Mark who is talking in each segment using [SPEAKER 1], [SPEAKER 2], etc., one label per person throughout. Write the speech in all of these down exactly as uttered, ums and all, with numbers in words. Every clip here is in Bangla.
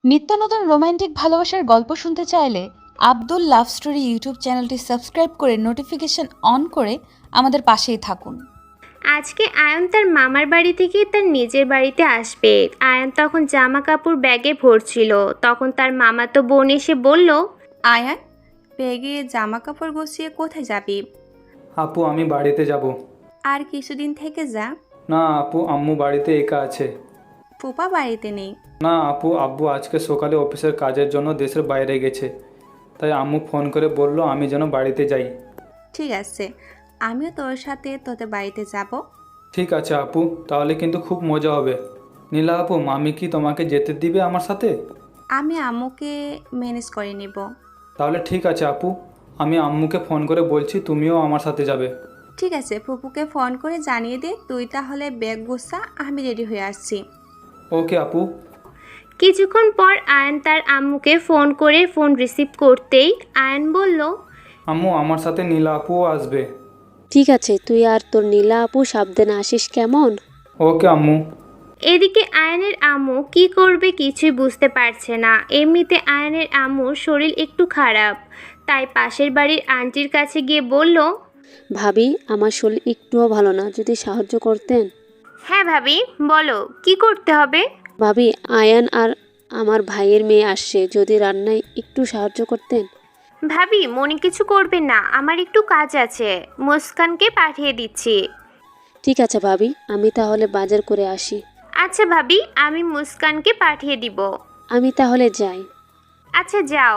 [SPEAKER 1] নিত্য নতুন রোমান্টিক ভালোবাসার গল্প শুনতে চাইলে আব্দুল লাভ স্টোরি ইউটিউব চ্যানেলটি সাবস্ক্রাইব করে নোটিফিকেশন অন করে আমাদের পাশেই থাকুন।
[SPEAKER 2] আজকে আয়ন তার মামার বাড়ি থেকে তার নিজের বাড়িতে আসবে। আয়ন তখন জামা কাপড় ব্যাগে ভরছিল। তখন তার মামাতো বোন এসে বলল,
[SPEAKER 3] আয়ান, ব্যাগে জামা কাপড় গুছিয়ে কোথায় যাবি?
[SPEAKER 4] আপু আমি বাড়িতে যাব।
[SPEAKER 3] আর কিছুদিন থেকে যা।
[SPEAKER 4] না আপু, আম্মু বাড়িতে একা আছে।
[SPEAKER 3] ফুপা বাড়িতে নেই?
[SPEAKER 4] না আপু, আব্বু আজকে সকালে অফিসের কাজের জন্য দেশের বাইরে গেছে, তাই আম্মু ফোন করে বলল আমি যেন বাড়িতে যাই।
[SPEAKER 3] ঠিক আছে, আমিও তোর সাথে তোদের বাড়িতে যাব।
[SPEAKER 4] ঠিক আছে আপু, তাহলে কিন্তু খুব মজা হবে। নীলা আপু, মামি কি তোমাকে যেতে দিবে আমার সাথে?
[SPEAKER 3] আমি আম্মুকে ম্যানেজ করে নেব।
[SPEAKER 4] তাহলে ঠিক আছে আপু, আমি আম্মুকে ফোন করে বলছি তুমিও আমার সাথে যাবে।
[SPEAKER 3] ঠিক আছে, ফুপুকে ফোন করে জানিয়ে দে। তুই তাহলে ব্যাগ গোছা, আমি রেডি হয়ে আসছি।
[SPEAKER 4] ওকে আপু।
[SPEAKER 2] কিছুক্ষণ পর আয়ন তার আম্মুকে ফোন করে ফোন রিসিভ করতেই আয়ন বলল,
[SPEAKER 4] আম্মু আমার সাথে নীলা আপুও আসবে।
[SPEAKER 5] ঠিক আছে, তুই আর তোর নীলা আপু সাবধানে আসিস কেমন?
[SPEAKER 4] ওকে আম্মু।
[SPEAKER 2] এদিকে আয়নের আম্মু কি করবে কিছুই বুঝতে পারছে না। এমনিতে আয়নের আম্মুর শরীর একটু খারাপ, তাই পাশের বাড়ির আন্টির কাছে গিয়ে বলল,
[SPEAKER 5] ভাবি, আমার শরীর একটুও ভালো না, যদি সাহায্য করতেন।
[SPEAKER 2] হ্যাঁ ভাবি, বলো কি করতে হবে?
[SPEAKER 5] ভাবি, আয়ান আর আমার ভাইয়ের মেয়ে আসছে, যদি রান্নায় একটু সাহায্য করতেন।
[SPEAKER 2] ভাবি মনে কিছু করবেন না, আমার একটু কাজ আছে, মুস্কানকে পাঠিয়ে দিচ্ছি।
[SPEAKER 5] ঠিক আছে ভাবি, আমি তাহলে বাজার করে আসি।
[SPEAKER 2] আচ্ছা ভাবি, আমি মুস্কানকে পাঠিয়ে দিব।
[SPEAKER 5] আমি তাহলে যাই।
[SPEAKER 2] আচ্ছা যাও।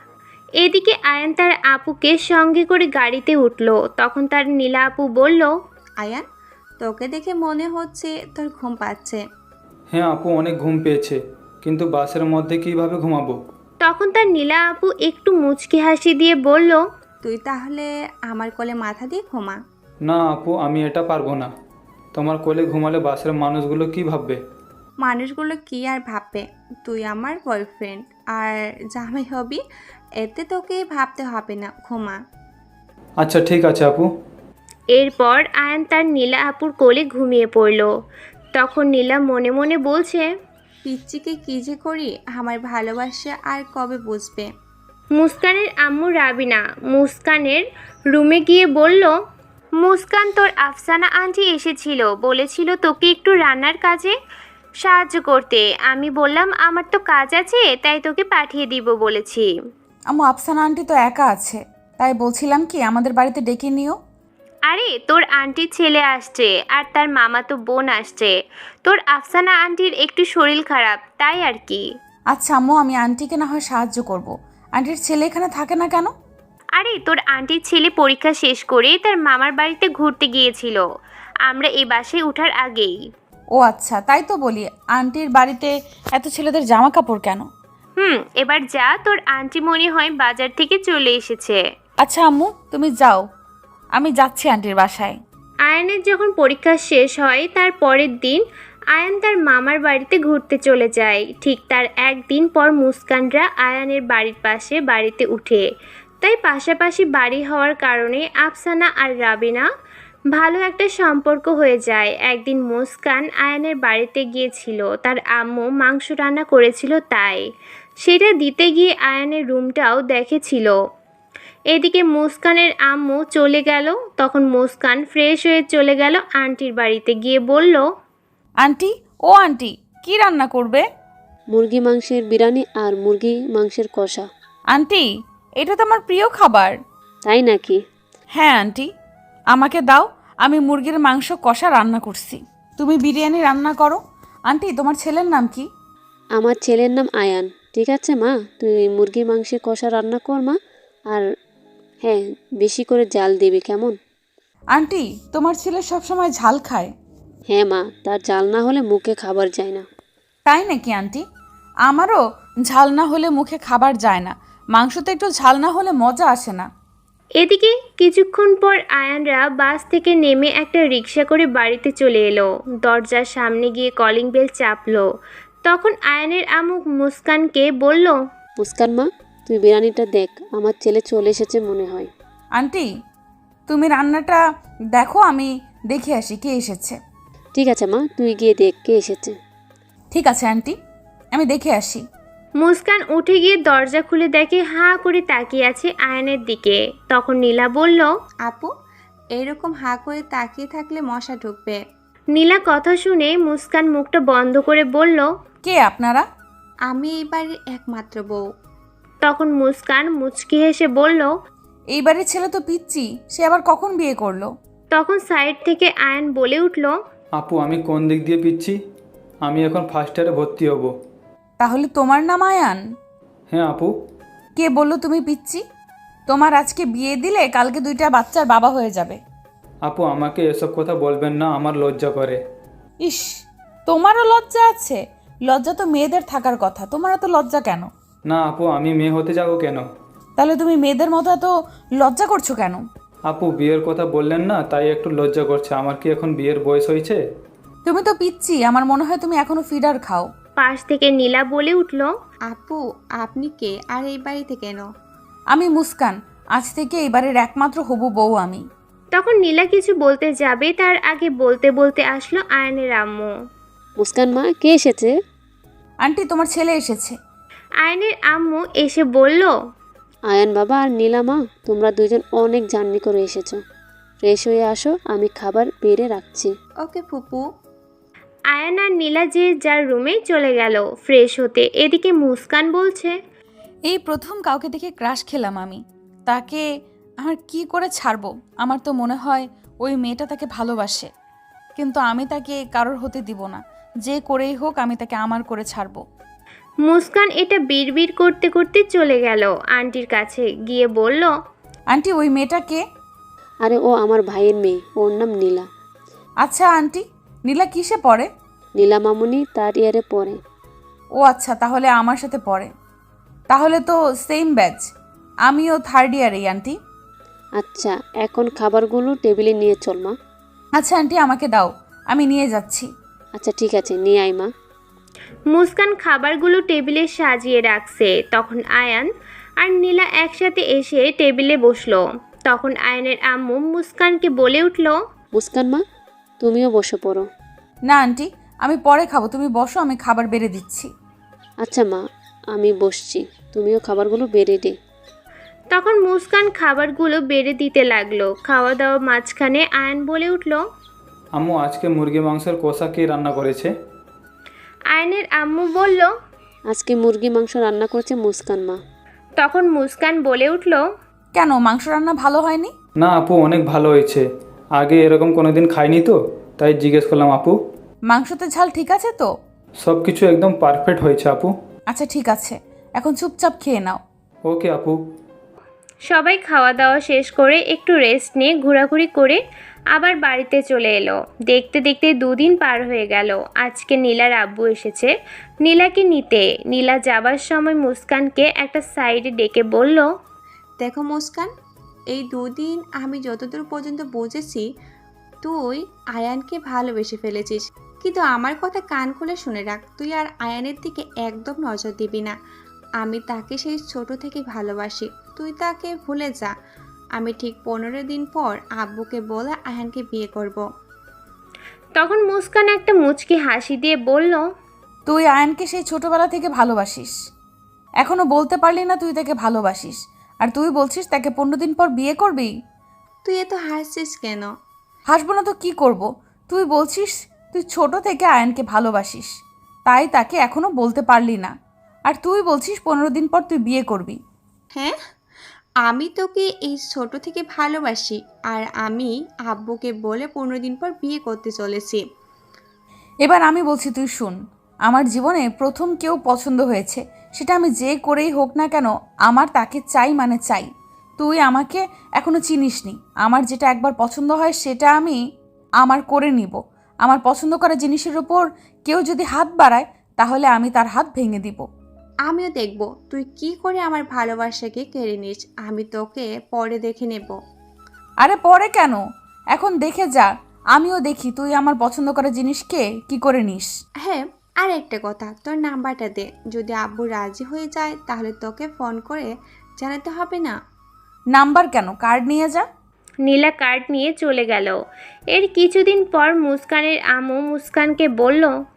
[SPEAKER 2] এদিকে আয়ান তার আপুকে সঙ্গে করে গাড়িতে উঠলো। তখন তার নীলা আপু বলল,
[SPEAKER 3] আয়ান, তোকে দেখে মনে হচ্ছে তোর ঘুম পাচ্ছে।
[SPEAKER 4] হ্যাঁ আপু, অনেক ঘুম পেয়েছে, কিন্তু বাসের মধ্যে কিভাবে ঘুমাবো?
[SPEAKER 2] তখন তার নীলা আপু একটু মুচকি হাসি দিয়ে বলল,
[SPEAKER 3] তুই তাহলে আমার কোলে মাথা দিয়ে ঘুমা।
[SPEAKER 4] না আপু, আমি এটা পারবো না। তোমার কোলে ঘুমালে বাসের মানুষগুলো কি ভাববে?
[SPEAKER 3] মানুষগুলো কি আর ভাববে, তুই আমার বয়ফ্রেন্ড আর জামাই হবি, এতে তোকে ভাবতে হবে না, ঘুমা।
[SPEAKER 4] আচ্ছা ঠিক আছে আপু।
[SPEAKER 2] এরপর আয়ান তার নীলা আপুর কোলে ঘুমিয়ে পড়ল। তখন নীলা মনে মনে বলছে,
[SPEAKER 3] পিচ্চিকে কি যে করি, আমার ভালোবাসা আর কবে বুঝবে।
[SPEAKER 2] মুস্কানের আম্মু রাবিনা মুস্কানের রুমে গিয়ে বলল, মুস্কান, তোর আফসানা আন্টি এসেছিল, বলেছিল তোকে একটু রান্নার কাজে সাহায্য করতে। আমি বললাম আমার তো কাজ আছে, তাই তোকে পাঠিয়ে দিব বলেছি।
[SPEAKER 1] আম্মু, আফসানা আন্টি তো একা আছে, তাই বলছিলাম কি আমাদের বাড়িতে ডেকে নিও।
[SPEAKER 2] আরে তোর আন্টির ছেলে আসছে আর তার মামাতো বোন আসছে। তোর আফসানা আন্টির একটু শরীর খারাপ, তাই আর কি।
[SPEAKER 1] আচ্ছা আম্মু, আমি আন্টিকে না হয় সাহায্য করব। আন্টির ছেলে এখানে থাকে না কেন?
[SPEAKER 2] আরে তোর আন্টির ছেলে পরীক্ষা শেষ করে তার মামার বাড়িতে ঘুরতে গিয়েছিল আমরা এই বাসায় ওঠার আগেই।
[SPEAKER 1] ও আচ্ছা, তাই তো বলি আন্টির বাড়িতে এত ছেলেদের জামা কাপড় কেন?
[SPEAKER 2] হুম এবার যা, তোর আন্টি মনে হয় বাজার থেকে চলে এসেছে।
[SPEAKER 1] আচ্ছা আম্মু, তুমি যাও, আমি যাচ্ছি আন্টির বাসায়।
[SPEAKER 2] আয়ানের যখন পরীক্ষা শেষ হয় তার পরের দিন আয়ান তার মামার বাড়িতে ঘুরতে চলে যায়। ঠিক তার একদিন পর মুস্কানরা আয়ানের বাড়ির পাশে বাড়িতে উঠে। তাই পাশাপাশি বাড়ি হওয়ার কারণে আফসানা আর রাবিনা ভালো একটা সম্পর্ক হয়ে যায়। একদিন মুস্কান আয়ানের বাড়িতে গিয়েছিল, তার আম্মু মাংস রান্না করেছিল, তাই সেটা দিতে গিয়ে আয়ানের রুমটাও দেখেছিল। এদিকে মুস্কানের আম্মু চলে গেল। তখন মুস্কান ফ্রেশ হয়ে চলে গেল আন্টির বাড়িতে, গিয়ে বলল,
[SPEAKER 1] আন্টি, ও আন্টি, কি রান্না করবে?
[SPEAKER 5] মুরগি মাংসের বিরিয়ানি আর মুরগি মাংসের কষা।
[SPEAKER 1] আন্টি, এটা তো আমার প্রিয় খাবার।
[SPEAKER 5] তাই নাকি?
[SPEAKER 1] হ্যাঁ আন্টি, আমাকে দাও, আমি মুরগির মাংস কষা রান্না করছি, তুমি বিরিয়ানি রান্না করো। আন্টি, তোমার ছেলের নাম কি?
[SPEAKER 5] আমার ছেলের নাম আয়ান। ঠিক আছে মা, তুই মুরগির মাংসের কষা রান্না কর মা, আর হ্যাঁ, বেশি করে জাল দিবি কেমন?
[SPEAKER 1] আন্টি, তোমার ছেলে সবসময় ঝাল খায়।
[SPEAKER 5] হ্যাঁ মা, তার জাল না হলে মুখে খাবার যায় না।
[SPEAKER 1] তাই নাকি আন্টি? আমারও ঝাল না হলে মুখে খাবার যায় না, মাংসতে একটু ঝাল না হলে মজা আসে না।
[SPEAKER 2] এদিকে কিছুক্ষণ পর আয়ানরা বাস থেকে নেমে একটা রিক্সা করে বাড়িতে চলে এলো। দরজার সামনে গিয়ে কলিং বেল চাপলো। তখন আয়ানের আম্মু মুস্কানকে বলল,
[SPEAKER 5] মুস্কান মা, তুই বিরিয়ানিটা দেখ, আমার ছেলে চলে এসেছে মনে হয়।
[SPEAKER 1] আন্টি, তুমি রান্নাটা দেখো, আমি দেখে আসি কে এসেছে।
[SPEAKER 5] ঠিক আছে মা, তুই গিয়ে দেখ কে এসেছে।
[SPEAKER 1] ঠিক আছে আন্টি, আমি দেখে আসি।
[SPEAKER 2] মুস্কান উঠে গিয়ে দরজা খুলে দেখে হাঁ করে তাকিয়ে আছে আয়ানের দিকে। তখন নীলা বলল,
[SPEAKER 3] আপু, এরকম হাঁ করে তাকিয়ে থাকলে মশা ঢুকবে।
[SPEAKER 2] নীলা কথা শুনে মুস্কান মুখটা বন্ধ করে বলল,
[SPEAKER 1] কে আপনারা?
[SPEAKER 3] আমি এই বাড়ির একমাত্র বউ।
[SPEAKER 2] তখন মুস্কান মুচকি হেসে বলল।
[SPEAKER 1] এই বাড়ির ছেলে তো পিচ্চি, সে আবার কখন বিয়ে করলো?
[SPEAKER 2] তখন সাইড থেকে আয়ান বলে উঠল,
[SPEAKER 4] আপু আমি কোন দিক দিয়ে পিচ্ছি? আমি এখন ফার্স্ট ইয়ারে ভর্তি হব।
[SPEAKER 1] তাহলে তোমার নাম আয়ান?
[SPEAKER 4] হ্যাঁ আপু।
[SPEAKER 1] কে বললো তুমি পিচ্চি? তোমার আজকে বিয়ে দিলে কালকে দুইটা বাচ্চার বাবা হয়ে যাবে।
[SPEAKER 4] আপু আমাকে এসব কথা বলবেন না, আমার লজ্জা করে।
[SPEAKER 1] ইস, তোমারও লজ্জা আছে? লজ্জা তো মেয়েদের থাকার কথা, তোমার এত লজ্জা কেন?
[SPEAKER 4] না আপু, আমি মেয়ে হতে যাবো কেন?
[SPEAKER 1] তাহলে তুমি মেয়েদের মতো এত লজ্জা করছো কেন?
[SPEAKER 4] আপু বিয়ের কথা বললেন না, তাই একটু লজ্জা করছে। আমার কি এখন বিয়ের বয়স হয়েছে?
[SPEAKER 1] তুমি তো পিচ্চি, আমার মনে হয় তুমি এখনো ফিডার খাও।
[SPEAKER 2] পাশ থেকে নীলা বলে উঠল,
[SPEAKER 3] আপু, আপনি কে আর এই বাড়িতে কেন?
[SPEAKER 1] আমি মুস্কান, আজ থেকে এই বাড়ির একমাত্র হবু বউ আমি।
[SPEAKER 2] তখন নীলা কিছু বলতে যাবে তার আগে বলতে বলতে আসলো আয়নের আম্মু।
[SPEAKER 5] মুস্কান মা, কে এসেছে?
[SPEAKER 1] আন্টি, তোমার ছেলে এসেছে।
[SPEAKER 2] আয়নের আম্মু এসে বলল,
[SPEAKER 5] আয়ান বাবা আর নীলা মা, তোমরা দুজন অনেক জার্নি করে এসেছো। ফ্রেশ হয়ে আসো, আমি খাবার বেড়ে রাখছি।
[SPEAKER 3] ওকে ফুপু।
[SPEAKER 2] আয়ান আর নীলা যে যার রুমে চলে গেল ফ্রেশ হতে। এদিকে মুস্কান বলছে,
[SPEAKER 1] এই প্রথম কাউকে দেখে ক্রাশ খেলাম আমি। তাকে আমার কি করে ছাড়বো? আমার তো মনে হয় ওই মেয়েটা তাকে ভালোবাসে, কিন্তু আমি তাকে কারোর হতে দিব না। যে করেই হোক আমি তাকে আমার করে ছাড়বো।
[SPEAKER 2] মুস্কান এটা বিড়বিড় করতে করতে চলে গেল আন্টির কাছে, গিয়ে বলল,
[SPEAKER 1] আন্টি, ওই মেয়েটা কে?
[SPEAKER 5] আরে ও আমার ভাইয়ের মেয়ে, ওর নাম নীলা।
[SPEAKER 1] আচ্ছা আন্টি, নীলা কিসে পড়ে?
[SPEAKER 5] নীলা মামুনি তার ইয়ারে পড়ে।
[SPEAKER 1] ও আচ্ছা, তাহলে আমার সাথে পড়ে। তাহলে তো সেম ব্যাচ। আমিও থার্ড ইয়ারেই আন্টি।
[SPEAKER 5] আচ্ছা, এখন খাবারগুলো টেবিলে নিয়ে চল মা।
[SPEAKER 1] আচ্ছা আন্টি, আমাকে দাও, আমি নিয়ে যাচ্ছি।
[SPEAKER 5] আচ্ছা ঠিক আছে, নিয়ে আয় মা।
[SPEAKER 2] মুস্কান খাবারগুলো টেবিলে সাজিয়ে রাখছে। তখন আয়ান আর নীলা একসাথে এসে টেবিলে বসলো। তখন আয়ানের আম্মু মুস্কানকে বলে উঠল,
[SPEAKER 5] মুস্কান মা, তুমিও বসে পড়ো।
[SPEAKER 1] না আন্টি, আমি পরে খাবো, তুমি বসো, আমি খাবার বেড়ে দিচ্ছি।
[SPEAKER 5] আচ্ছা মা, আমি বসছি, তুমিও খাবারগুলো বেড়ে দে।
[SPEAKER 2] তখন মুস্কান খাবারগুলো বেড়ে দিতে লাগলো। খাওয়া দাওয়া মাঝখানে আয়ান বলে উঠল,
[SPEAKER 4] আম্মু আজকে মুরগি মাংসের কষা কে রান্না করেছে?
[SPEAKER 2] আয়ানের আম্মু বলল,
[SPEAKER 5] আজকে মুরগি মাংস রান্না করেছে মুস্কান মা।
[SPEAKER 2] তখন মুস্কান বলে উঠল,
[SPEAKER 1] কেন, মাংস রান্না ভালো হয়নি?
[SPEAKER 4] না আপু, অনেক ভালো হয়েছে। আগে এরকম কোনোদিন খাইনি তো, তাই জিজ্ঞেস করলাম আপু।
[SPEAKER 1] মাংসতে ঝাল ঠিক আছে তো?
[SPEAKER 4] সব কিছু একদম পারফেক্ট হয়েছে আপু।
[SPEAKER 1] আচ্ছা ঠিক আছে, এখন চুপচাপ খেয়ে নাও।
[SPEAKER 4] ওকে আপু।
[SPEAKER 2] সবাই খাওয়া দাওয়া শেষ করে একটু রেস্ট নিয়ে ঘোরাঘুরি করে আবার বাড়িতে চলে এলো। দেখতে দেখতে দুদিন পার হয়ে গেল। আজকে নীলার আব্বু এসেছে নীলাকে নিতে। নীলা যাবার সময় মুস্কানকে একটা সাইডে ডেকে বলল,
[SPEAKER 3] দেখো মুস্কান, এই দুদিন আমি যতদূর পর্যন্ত বুঝেছি তুই আয়ানকে ভালোবেসে ফেলেছিস, কিন্তু আমার কথা কান খুলে শুনে রাখ, তুই আর আয়ানের দিকে একদম নজর দিবি না। আমি তাকে সেই ছোট থেকে ভালোবাসি, তুই তাকে ভুলে যা। আমি ঠিক পনেরো দিন পর আব্বুকে বলে আয়ানকে বিয়ে করব।
[SPEAKER 2] তখন মুস্কান একটা মুচকি হাসি দিয়ে বলল,
[SPEAKER 1] তুই আয়ানকে সেই ছোটবেলা থেকে ভালোবাসিস, এখনো বলতে পারলি না তুই তাকে ভালোবাসিস, আর তুই বলছিস তাকে পনেরো দিন পর বিয়ে করবি?
[SPEAKER 3] তুই এত হাসছিস কেন?
[SPEAKER 1] হাসবো না তো কি করব? তুই বলছিস তুই ছোট থেকে আয়ানকে ভালোবাসিস, তাই তাকে এখনো বলতে পারলি না, আর তুই বলছিস পনেরো দিন পর তুই বিয়ে করবি।
[SPEAKER 3] হ্যাঁ, আমি তোকে এই ছোট থেকে ভালোবাসি, আর আমি আব্বুকে বলে পনেরো দিন পর বিয়ে করতে চলেছি।
[SPEAKER 1] এবার আমি বলছি তুই শুন, আমার জীবনে প্রথম কেউ পছন্দ হয়েছে, সেটা আমি যে করেই হোক না কেন আমার তাকে চাই, মানে চাই। তুই আমাকে এখনো চিনিসনি, আমার যেটা একবার পছন্দ হয় সেটা আমি আমার করে নিব। আমার পছন্দ করা জিনিসের উপর কেউ যদি হাত বাড়ায় তাহলে আমি তার হাত ভেঙে দিব।
[SPEAKER 3] আমিও দেখব তুই কি করে আমার ভালোবাসাকে কেড়ে নিস। আমি তোকে পরে দেখে নেব।
[SPEAKER 1] আরে পরে কেন, এখন দেখে যা, আমিও দেখি তুই আমার পছন্দ করা জিনিসকে কি করে নিস।
[SPEAKER 3] হ্যাঁ, আর একটা কথা, তোর নাম্বারটা দে, যদি আব্বু রাজি হয়ে যায় তাহলে তোকে ফোন করে জানাতে হবে না।
[SPEAKER 1] নাম্বার কেন, কার্ড নিয়ে যা।
[SPEAKER 2] নীলা কার্ড নিয়ে চলে গেল। এর কিছুদিন পর মুস্কানের আম্মু মুস্কানকে বলল,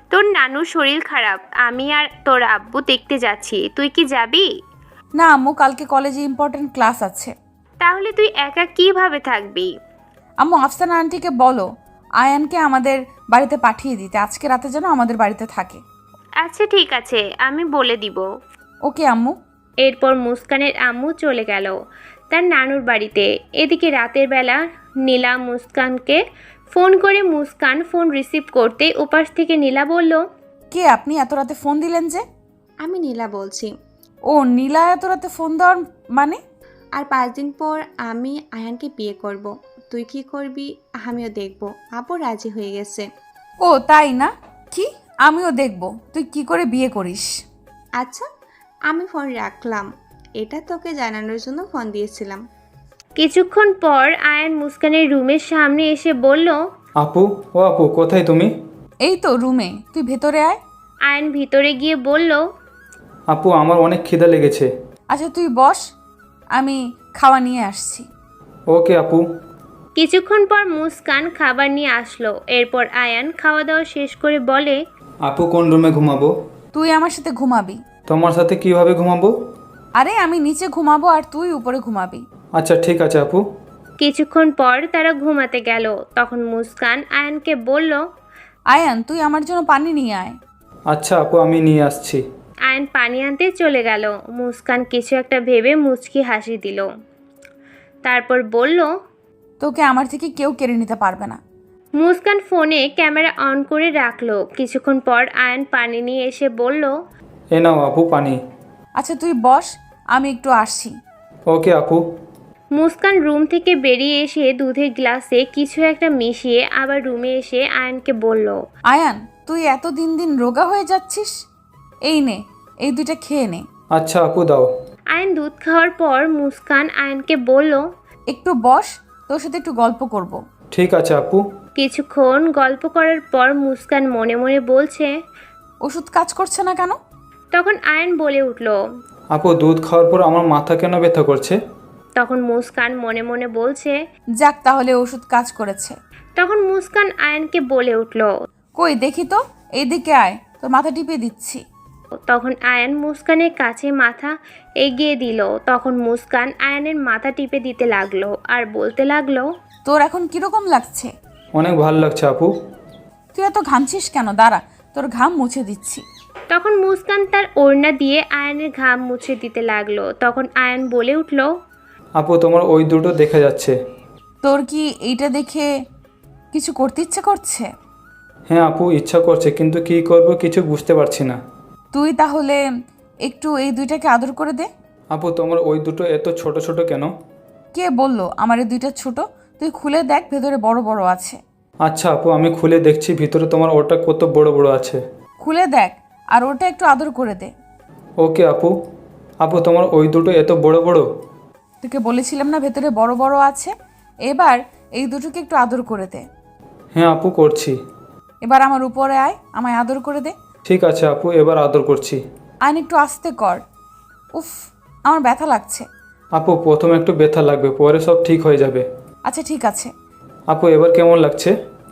[SPEAKER 2] তোর নানুর শরীর খারাপ, আমি আর তোর আব্বু দেখতে যাচ্ছি, তুই কি যাবি?
[SPEAKER 1] না আম্মু, কালকে কলেজে ইম্পর্টেন্ট ক্লাস আছে।
[SPEAKER 2] তাহলে তুই একা কিভাবে থাকবি?
[SPEAKER 1] আম্মু, আফসানা আন্টিকে বলো আয়ানকে আমাদের বাড়িতে পাঠিয়ে দিতে, আজকে রাতে যেন আমাদের বাড়িতে থাকে।
[SPEAKER 2] আচ্ছা ঠিক আছে, আমি বলে দিব।
[SPEAKER 1] ওকে আম্মু।
[SPEAKER 2] এরপর মুস্কানের আম্মু চলে গেল তার নানুর বাড়িতে। এদিকে রাতের বেলা নীলা মুস্কানকে ফোন করে, মুস্কান ফোন রিসিভ করতে ওপাশ থেকে নীলা বলল,
[SPEAKER 1] কে আপনি? এত রাতে ফোন দিলেন যে?
[SPEAKER 3] আমি নীলা বলছি।
[SPEAKER 1] ও নীলা, এত রাতে ফোন দেওয়ার মানে?
[SPEAKER 3] আর পাঁচ দিন পর আমি আয়ানকে বিয়ে করব। তুই কি করবি আমিও দেখব। আপু রাজি হয়ে গেছে।
[SPEAKER 1] ও তাই না? কি? আমিও দেখব তুই কি করে বিয়ে করিস।
[SPEAKER 3] আচ্ছা, আমি ফোন রাখলাম। এটা তোকে জানানোর জন্য ফোন দিয়েছিলাম।
[SPEAKER 2] কিছুক্ষণ পর আয়ান মুস্কানের রুমের সামনে এসে বলল,
[SPEAKER 4] আপু, ও আপু, কোথায় তুমি?
[SPEAKER 1] এই তো রুমে, তুই ভেতরে আয়।
[SPEAKER 2] আয়ান ভিতরে গিয়ে বলল,
[SPEAKER 4] আপু, আমার অনেক খিদে লেগেছে।
[SPEAKER 1] আচ্ছা তুই বস, আমি খাওয়া নিয়ে আসছি।
[SPEAKER 4] ওকে আপু।
[SPEAKER 2] কিছুক্ষণ পর মুস্কান খাবার নিয়ে আসলো। এরপর আয়ান খাওয়া দাওয়া শেষ করে বলে,
[SPEAKER 4] আপু, কোন রুমে ঘুমাবো?
[SPEAKER 1] তুই আমার সাথে ঘুমাবি।
[SPEAKER 4] তোমার সাথে কিভাবে ঘুমাবো?
[SPEAKER 1] আরে আমি নিচে ঘুমাবো আর তুই উপরে ঘুমাবি।
[SPEAKER 4] আচ্ছা ঠিক আছে আপু।
[SPEAKER 2] কিছুক্ষণ পর তারা ঘুমাতে গেল। তখন মুস্কান আয়ানকে বলল,
[SPEAKER 1] আয়ান, তুই আমার জন্য পানি নিয়ে আয়।
[SPEAKER 4] আচ্ছা আপু, আমি নিয়ে আসছি।
[SPEAKER 2] আয়ান পানি আনতে চলে গেল। মুস্কান কিছু একটা ভেবে মুচকি হাসি দিল। তারপর বলল,
[SPEAKER 1] তোকে আমার থেকে কেউ কেড়ে নিতে পারবে না।
[SPEAKER 2] মুস্কান ফোনে ক্যামেরা অন করে রাখলো। কিছুক্ষণ পর আয়ান পানি নিয়ে এসে বলল,
[SPEAKER 4] এ নাও আপু পানি।
[SPEAKER 1] আচ্ছা তুই বস, আমি একটু আসছি।
[SPEAKER 4] ওকে আপু।
[SPEAKER 2] মুস্কান রুম থেকে বেরিয়ে এসে দুধের গ্লাসে কিছু একটা মিশিয়ে আবার রুমে এসে আয়ানকে বলল,
[SPEAKER 1] আয়ান, তুই এত দিন দিন রোগা হয়ে যাচ্ছিস। এই নে, এই দুইটা খেয়ে নে।
[SPEAKER 4] আচ্ছা আপু, দাও।
[SPEAKER 2] আয়ান দুধ খাওয়ার পর মুস্কান আয়ানকে বলল,
[SPEAKER 1] একটু বস, তোর সাথে একটু গল্প করব।
[SPEAKER 4] ঠিক আছে আপু।
[SPEAKER 2] কিছুক্ষণ গল্প করার পর মুস্কান মনে মনে বলছে,
[SPEAKER 1] ওষুধ কাজ করছে না কেন?
[SPEAKER 2] তখন আয়ান বলে উঠল।
[SPEAKER 4] আপু, দুধ খাওয়ার পর আমার মাথা কেন ব্যথা করছে?
[SPEAKER 2] তখন মুস্কান মনে মনে বলছে।
[SPEAKER 1] যাক, তাহলে ওষুধ কাজ করেছে।
[SPEAKER 2] তখন মুস্কান আয়ানকে বলে উঠল।
[SPEAKER 1] কই দেখি তো, এইদিকে আয়, তোর মাথা টিপে দিচ্ছি।
[SPEAKER 2] তখন আয়ান মুস্কানের কাছে মাথা এগিয়ে দিল। তখন মুস্কান আয়ানের মাথা টিপে দিতে লাগলো আর বলতে লাগলো,
[SPEAKER 1] তোর এখন কিরকম লাগছে?
[SPEAKER 4] অনেক ভালো লাগছে আপু।
[SPEAKER 1] তুই এত ঘামছিস কেন? দাঁড়া, তোর ঘাম মুছে দিচ্ছি।
[SPEAKER 2] তখন মুস্কান তার ওড়না দিয়ে আয়ানের ঘাম মুছে দিতে লাগলো। তখন আয়ান বলে উঠল,
[SPEAKER 4] আপু, তোমার ওই দুটো দেখা যাচ্ছে।
[SPEAKER 1] তোর কি এইটা দেখে কিছু করতে ইচ্ছে করছে?
[SPEAKER 4] হ্যাঁ আপু, ইচ্ছা করছে, কিন্তু কি করব কিছু বুঝতে পারছি না।
[SPEAKER 1] তুই তাহলে একটু এই দুইটাকে আদর করে দে।
[SPEAKER 4] আপু, তোমার ওই দুটো এত ছোট ছোট কেন?
[SPEAKER 1] কে বললো আমার এই দুইটা ছোট? তুই খুলে দেখ, ভেতরে বড় বড় আছে।
[SPEAKER 4] আচ্ছা আপু, আমি খুলে দেখছি ভিতরে তোমার ওটা কত বড় বড় আছে।
[SPEAKER 1] খুলে দেখ আর ওটা একটু আদর করে দে।
[SPEAKER 4] ওকে আপু। আপু, তোমার ওই দুটো এত বড় বড়?
[SPEAKER 1] তোকে বলেছিলাম না ভেতরে বড় বড় আছে। এবার এই দুটোকে একটু আদর করে দে।
[SPEAKER 4] হ্যাঁ আপু, করছি।
[SPEAKER 1] এবার আমার উপরে আয়, আমায় আদর করে দে।
[SPEAKER 4] ঠিক আছে আপু, এবার আদর করছি।
[SPEAKER 1] আইন একটু আস্তে কর। উফ, আমার ব্যথা লাগছে।
[SPEAKER 4] আপু, প্রথমে একটু ব্যথা লাগবে, পরে সব ঠিক হয়ে যাবে।
[SPEAKER 1] আচ্ছা ঠিক আছে।
[SPEAKER 4] আপু, এবার কেমন লাগছে?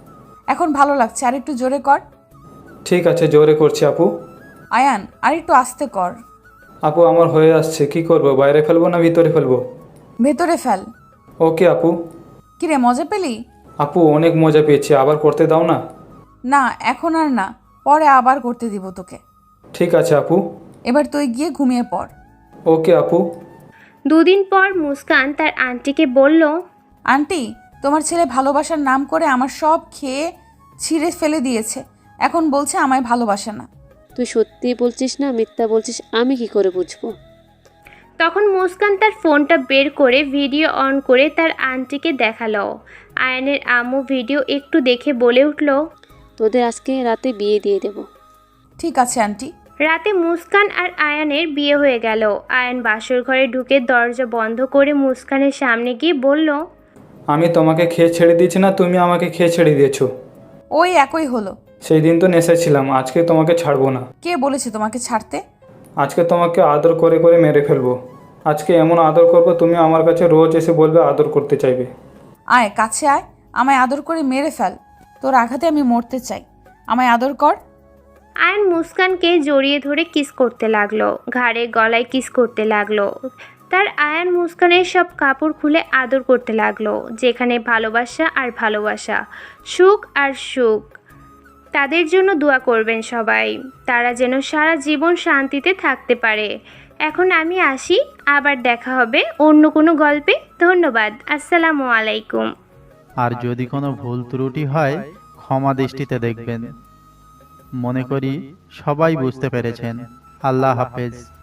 [SPEAKER 1] এখন ভালো লাগছে, আর একটু জোরে কর।
[SPEAKER 4] ঠিক আছে, জোরে করছি আপু।
[SPEAKER 1] আয়ান, আর একটু আস্তে কর।
[SPEAKER 4] আপু, আমার হয়ে আসছে, কি করব, বাইরে ফেলবো না ভিতরে ফেলবো?
[SPEAKER 1] ভেতরে ফেল।
[SPEAKER 4] ওকে আপু।
[SPEAKER 1] কিরে, মজা পেলি?
[SPEAKER 4] আপু, অনেক মজা পেয়েছি, আবার করতে দাও না।
[SPEAKER 1] না, এখন আর না, পরে আবার করতে দিব তোকে।
[SPEAKER 4] ঠিক আছে আপু।
[SPEAKER 1] এবার তুই গিয়ে ঘুমিয়ে পড়।
[SPEAKER 4] ওকে আপু।
[SPEAKER 2] দুদিন পর মুস্কান তার আন্টিকে বলল,
[SPEAKER 1] আন্টি, তোমার ছেলে ভালোবাসার নাম করে আমার সব খেয়ে ছিঁড়ে ফেলে দিয়েছে, এখন বলছে আমায় ভালোবাসে না।
[SPEAKER 5] তুই সত্যি বলছিস না মিথ্যা বলছিস, আমি কি করে বুঝবো?
[SPEAKER 2] তখন মুস্কান তার ফোনটা বের করে ভিডিও অন করে তার আন্টিকে দেখালো। আয়ানের আম্মু ভিডিও একটু দেখে বলে উঠল,
[SPEAKER 5] তোদের আজকে রাতে বিয়ে দিয়ে দেব।
[SPEAKER 1] ঠিক আছে আন্টি।
[SPEAKER 2] রাতে মুস্কান আর আয়ানের বিয়ে হয়ে গেল। আয়ান বাসর ঘরে ঢুকে দরজা বন্ধ করে মুস্কানের সামনে গিয়ে বলল,
[SPEAKER 4] আমি তোমাকে খেয়ে ছেড়ে দিয়েছি না তুমি আমাকে খেয়ে ছেড়ে দিয়েছো?
[SPEAKER 1] ওই একই হলো।
[SPEAKER 4] সেই দিন তো নেশায় ছিলাম, আজকে তোমাকে ছাড়বো না।
[SPEAKER 1] কে বলেছে তোমাকে ছাড়তে?
[SPEAKER 4] আজকে তোমাকে আদর করে করে মেরে ফেলবো। আজকে এমন আদর করবো তুমি আমার কাছে রোজ এসে বলবে আদর করতে চাইবে।
[SPEAKER 1] আয় কাছে আয়, আমায় আদর করে মেরে ফেল। তোর আঘাতে আমি মরতে চাই, আমায় আদর কর।
[SPEAKER 2] আয়ান মুস্কানকে জড়িয়ে ধরে কিস করতে লাগলো, ঘাড়ে গলায় কিস করতে লাগলো। তার আয়ান মুস্কানের সব কাপড় খুলে আদর করতে লাগলো, যেখানে ভালোবাসা আর ভালোবাসা, সুখ আর সুখ। তাদের জন্য দোয়া করবেন সবাই, তারা যেন সারা জীবন শান্তিতে থাকতে পারে। এখন আমি আসি, আবার দেখা হবে অন্য কোনো গল্পে। ধন্যবাদ, আসসালামু আলাইকুম।
[SPEAKER 6] আর যদি কোনো ভুল ত্রুটি হয় ক্ষমা দৃষ্টিতে দেখবেন। মনে করি সবাই বুঝতে পেরেছেন। আল্লাহ হাফেজ।